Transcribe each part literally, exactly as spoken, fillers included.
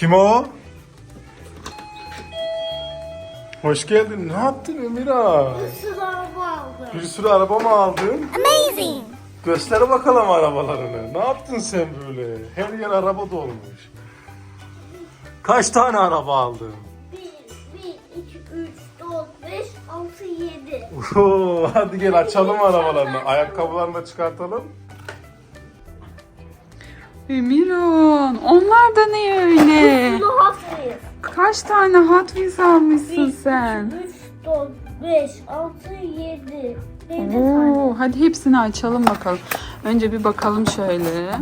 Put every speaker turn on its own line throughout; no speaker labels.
Kim o? Hoş geldin. Ne yaptın Emira?
Bir sürü araba aldım.
Bir sürü araba mı aldın?
Amazing.
Göster bakalım arabalarını. Ne yaptın sen böyle? Her yer araba dolmuş. Kaç tane araba aldın?
bir, bir, iki, üç, dört, beş, altı, yedi.
Oo, hadi gel açalım arabalarını. Ayakkabılarını da çıkartalım.
Emirhan, onlar da ne öyle?
Bunu hafif.
Kaç tane Hot Wheels almışsın
bir,
sen?
iki, üç, dört, beş, altı, yedi. yedi tane.
Oo, hadi hepsini açalım bakalım. Önce bir bakalım şöyle.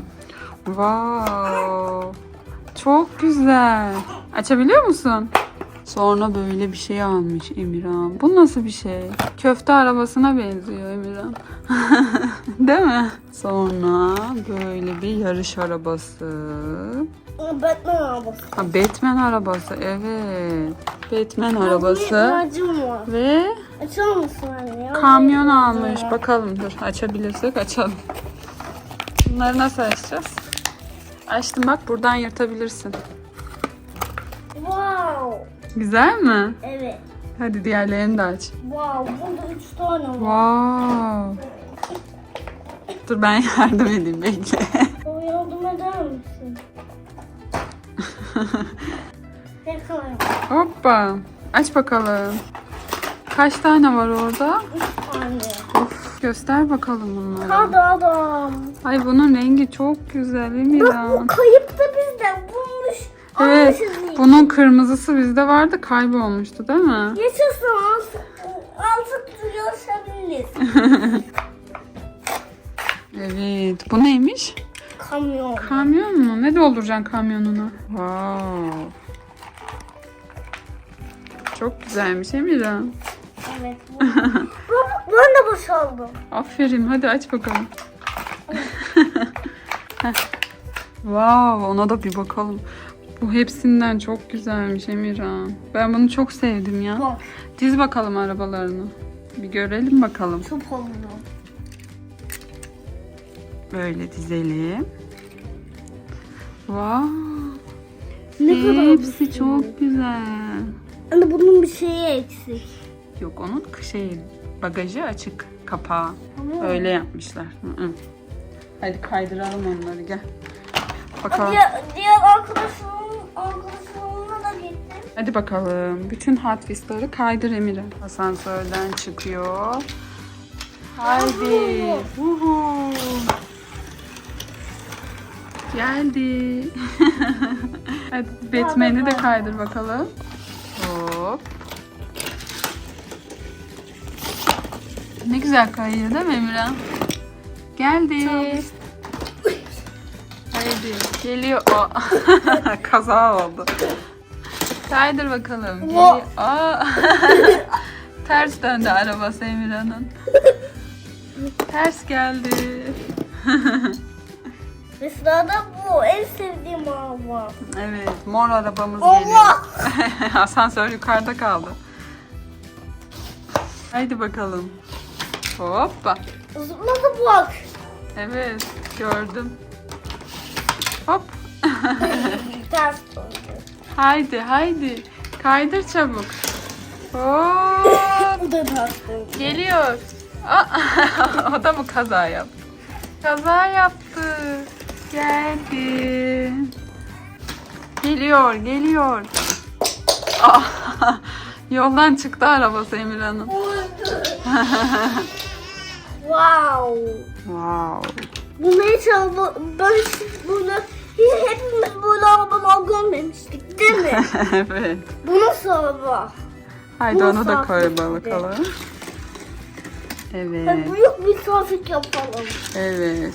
Wow. Çok güzel. Açabiliyor musun? Sonra böyle bir şey almış Emirhan. Bu nasıl bir şey? Köfte arabasına benziyor Emirhan. Değil mi? Sonra böyle bir yarış arabası.
Batman arabası.
Ha, Batman arabası, evet. Batman
Bir
arabası
ihtiyacım var.
ve
Açar mısın anne? ya?
kamyon
Bir
almış.
ihtiyacım var.
Bakalım, dur açabilirsek açalım. Bunları nasıl açacağız? Açtım bak, buradan yırtabilirsin.
Wow.
Güzel mi?
Evet.
Hadi diğerlerini de aç.
Wow. Bunda üç tane var.
Wow. Dur ben yardım edeyim, bekle.
Bana yardım eder misin? Ne kadar var?
Hoppa. Aç bakalım. Kaç tane var orada?
Üç tane.
Of, göster bakalım bunları.
Hadi adam.
Ay bunun rengi çok güzel
Bak bu
Emirhan.
kayıp da bizden bulmuş.
Evet,
Almışız iyi.
bunun kırmızısı bizde vardı, kaybolmuştu değil mi?
Yaşasın. Artık görüşebiliriz.
Evet, bu neymiş?
Kamyon.
Kamyon mu? Ne dolduracaksın kamyonuna? Wow. Çok güzelmiş Emirhan.
Evet. Bu. Bak ben de boşaldım.
Aferin, hadi aç bakalım. Heh. Wow, ona da bir bakalım. Bu hepsinden çok güzelmiş Emirhan. Ben bunu çok sevdim ya.
Bak.
Diz bakalım arabalarını. Bir görelim bakalım.
Çok oldu.
Böyle dizelim. Wow.
Ne kadar
Hepsi
güzel.
çok güzel.
Anne bunun bir şeyi eksik.
Yok, onun şey, bagajı açık, kapağı.
Tamam.
Öyle yapmışlar. Hı hı. Hadi kaydıralım onları, gel. Bakalım.
Diğer, diğer arkadaşımın arkadaşımla da gittim.
Hadi bakalım. Bütün Hot Wheels'ları kaydır Emine. Asansörden çıkıyor. Haydi. Uhu. Geldi. Hadi Batman'i de kaydır bakalım. Hop. Ne güzel kayıyor değil mi Emirhan? Geldi. Haydi. Geliyor o. Kaza oldu. Kaydır bakalım. Geliyor. Aa. Ters döndü arabası Emirhan'ın. Ters geldi.
Ve sırada bu en sevdiğim araba.
Evet, mor arabamız geliyor.
Allah!
Asansör yukarıda kaldı. Haydi bakalım. Hoppa.
Zıpladı bak.
Evet, gördüm. Hop.
Ters döndü.
Haydi, haydi. Kaydır çabuk. Hop.
Bu da ters döndü.
Geliyor. Aa, o da mı kaza yaptı? Kaza yaptı. Geldi. Geliyor, geliyor. Aa, yoldan çıktı arabası Emirhan'ın.
Wow.
Wow.
Bunu hiç araba, ben hiç bunu hepimiz böyle arabalar görmemiştik değil mi?
Evet.
Bu nasıl araba?
Haydi
Bu
onu da
nasıl
koy
hafif
bakalım.
Hadi
Evet.
büyük bir trafik yapalım.
Evet.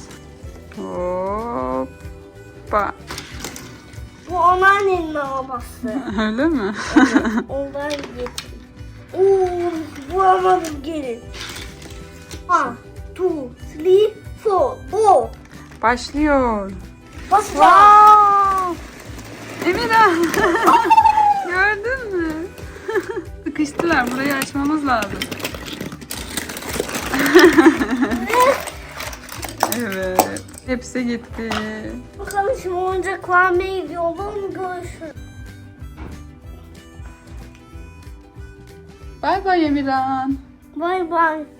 Hoppa.
Bu anneannenin arabası.
Öyle mi?
Evet, ondan getir. Oo, bulamadım gelin. One, two, three, four, go.
Başlıyor.
Bas
Wow. Emine. Gördün mü? Sıkıştılar. Burayı açmamız lazım. Evet. Hepsi gitti.
Bakalım şimdi oyuncak vermeye gidiyorum. Görüşürüz.
Bay bay Emirhan.
Bay bay.